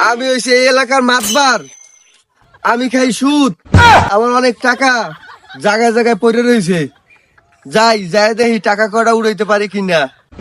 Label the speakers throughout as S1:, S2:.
S1: আমি হইছি এই এলাকার মাতবার। আমি খাই সুদ, আমার অনেক টাকা জায়গায় জায়গায় পড়ে রয়েছে। যাই যাই দেখি টাকা কটা উড়াইতে পারি কিনা।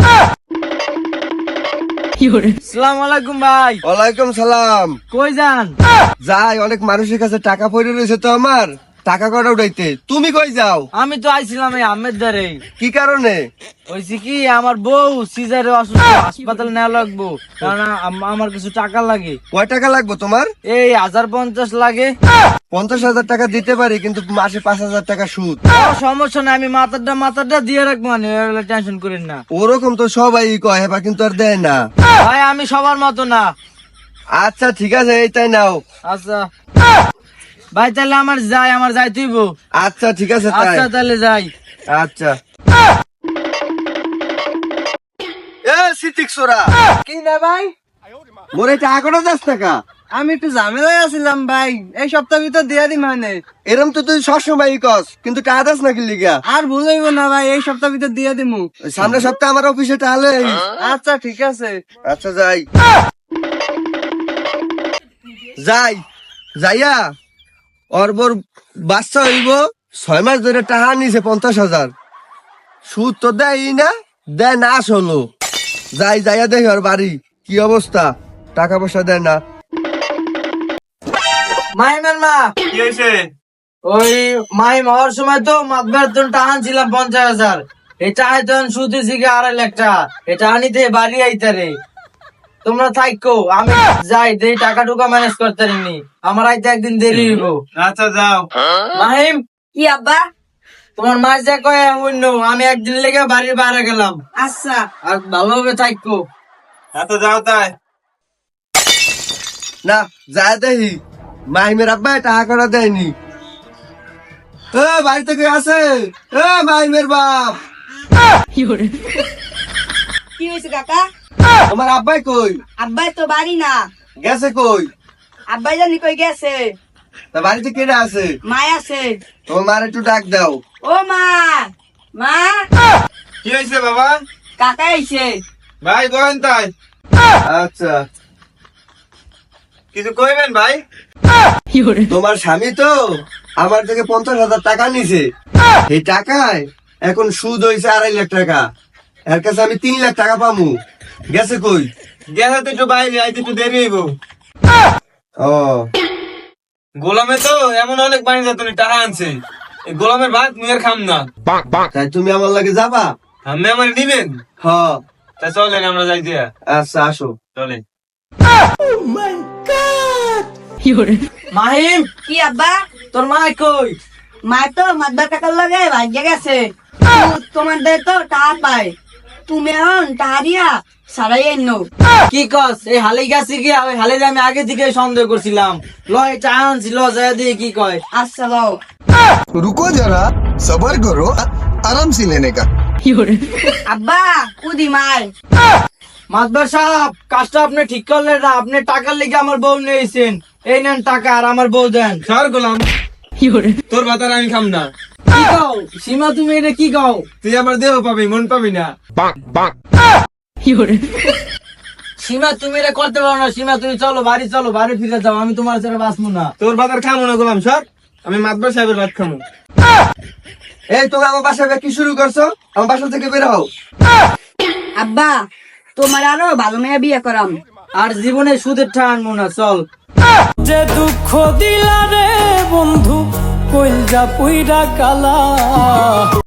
S2: আসসালামু আলাইকুম ভাই।
S1: ওয়ালাইকুম সালাম।
S2: কই যান?
S1: যাই, অনেক মানুষের কাছে টাকা পড়ে রয়েছে তো আমার, টাকা কটা উড়াইতে। তুমি কই যাও?
S2: আমি তো আইছিলাম এই আহমেদ দারে।
S1: কি কারণে?
S2: হয়েছে কি, আমার বউ সিজারে অসুস্থ, হাসপাতালে নেওয়া লাগবো, কারণ আমার কিছু টাকা লাগে।
S1: কয় টাকা লাগবে তোমার?
S2: এই 1050 লাগে।
S1: 50,000 টাকা দিতে পারি, কিন্তু মাসে 5,000 টাকা সুদ।
S2: সমস্যা নাই, আমি মাথাটা দিয়ে রাখবো, মানে টেনশন করেন না।
S1: ওরকম তো সবাই কয়, হেবা কিন্তু আর দেয় না।
S2: ভাই আমি সবার মতো না।
S1: আচ্ছা ঠিক আছে, এইটাই নাও।
S2: আচ্ছা ভাই, তাহলে আমার যাই তুইব।
S1: আচ্ছা ঠিক আছে তাই।
S2: আচ্ছা তাহলে যাই।
S1: আচ্ছা। এ সিটিক সোরা,
S2: কি না ভাই?
S1: মোরে টাকা কটা যাস টাকা?
S2: আমি একটু ঝামেলায় আছিলাম ভাই, এই সপ্তাহ ভিতর দিয়ে দি মানে।
S1: এরম তো তুই সবসময় কস, কিন্তু টাকা দাস না কি লিগা?
S2: আর ভুল হইব না ভাই, এই সপ্তাহ ভিতর দিয়ে দিমু।
S1: সামনের সপ্তাহে আমার অফিসে তাহলে।
S2: আচ্ছা ঠিক আছে।
S1: আচ্ছা যাই যাই যাইয়া অর্বর বাচ্চা হইব। 6 মাস ধরে টাকা নিছে 50,000, সুদ তো দেয় না, দেয় না আসলো। যাইয়া দেখি ওর বাড়ি কি অবস্থা, টাকা পয়সা দেয় না।
S2: মাইমের মা,
S3: কি হয়েছে?
S2: ওই মাইম হওয়ার সময় তো মাতবার তো টাকা ছিলাম 50,000, এই টাকা তো সুদ দিকে 2.5 লাখ টাকা। এটা আনিতে বাড়ি আইতারে, তোমরা থাকো, আমি যাই দেই টাকা টুকা ম্যানেজ করতে নি, আমার আইতে একদিন দেরি হইব।
S3: আচ্ছা যাও।
S2: মাহিম,
S4: কি আব্বা?
S2: তোমার মা যা কয় অন্য, আমি একদিন লেগে বাড়ির বাইরে গেলাম।
S4: আচ্ছা।
S2: আর ভালোভাবে থাকো।
S3: আচ্ছা যাও তাই।
S1: না যায় দেখি মাহিমের আব্বা টাকা কটা দেয়নি। বাড়িতে কে আছে? মাহিমের বাপ।
S4: কি হয়েছে কাকা?
S1: তোমার আব্বাই কই?
S4: আব্বাই তো বাড়ি না।
S1: গেছে কই?
S4: আব্বাই জানি কই গেছে।
S1: তা বাড়িতে কেডা আছে?
S4: মা আছে।
S1: তোমার মার একটু ডাক দাও।
S4: ও মা, মা,
S3: কি হয়েছে বাবা?
S4: কাকা আইছে।
S3: ভাই বলেন তাই।
S1: আচ্ছা,
S3: কিছু কইবেন ভাই?
S1: তোমার স্বামী তো আমার থেকে 50,000 টাকা নিছে। এই টাকায় এখন সুদ হয়েছে 2.5 লাখ টাকা। এর কাছে আমি 3 লাখ টাকা পামু। গেছে কই?
S3: গেছে তো একটু বাইরে, আইতে একটু দেরি হইব।
S1: ও
S3: গোলামে তো এমন অনেক বাণী তুমি টাকা আনছে, এই গোলামের ভাত মুয়ের খাম না।
S1: তাই তুমি আমার লাগে যাবা?
S3: আমি আমার নিবেন?
S1: হ।
S3: তা চলেন আমরা যাই দিয়া।
S1: আচ্ছা আসো।
S3: চলেন।
S2: মাহিম,
S4: কি আব্বা?
S2: তোর মা কই?
S4: মা তো মাদবার কাকার লগে ভাগ্যে গেছে। তোমাদের তো টাকা পায়, তুমি এখন টাকা দিয়া সারাই এনো।
S2: কি কস? এই হালে গেছি কি? ওই হালে আমি আগে থেকে সন্দেহ করছিলাম। ল এটা আনছি, ল যায় দিয়ে কি কয়।
S4: আচ্ছা লও।
S5: रुको जरा सबर करो आराम से लेने का।
S4: আব্বা কুদি মার।
S2: মাতবার সাহেব, কাজটা আপনি ঠিক করলেন না। আপনি টাকার লেগে আমার বউ নিয়েছেন, এই নেন টাকা আর আমার বউ দেন।
S3: সর গোলাম, তোর ভাত আর আমি খাম না।
S2: কি কও সীমা, তুমি এটা কি কও?
S3: তুই আমার দেহ পাবি, মন পাবি না।
S2: সীমা তুমি এটা করতে পারো না। সীমা তুমি চলো বাড়ি, চলো বাড়ি ফিরে যাও, আমি তোমার সাথে বাঁচবো না।
S3: তোর ভাত আর খামো না গোলাম, সর। আমি মাতবার সাহেবের ভাত খামো।
S1: এই তুমি আমার বাসায় কি শুরু করছো? আমার বাসা থেকে বের হও।
S4: আব্বা তোমার আরো ভালো মেয়ে বিয়ে করাম।
S2: আর জীবনে সুদের ঠা আনবো না, চল। যে দুঃখ দিলা রে বন্ধু, কইল যা পুইরা কালা।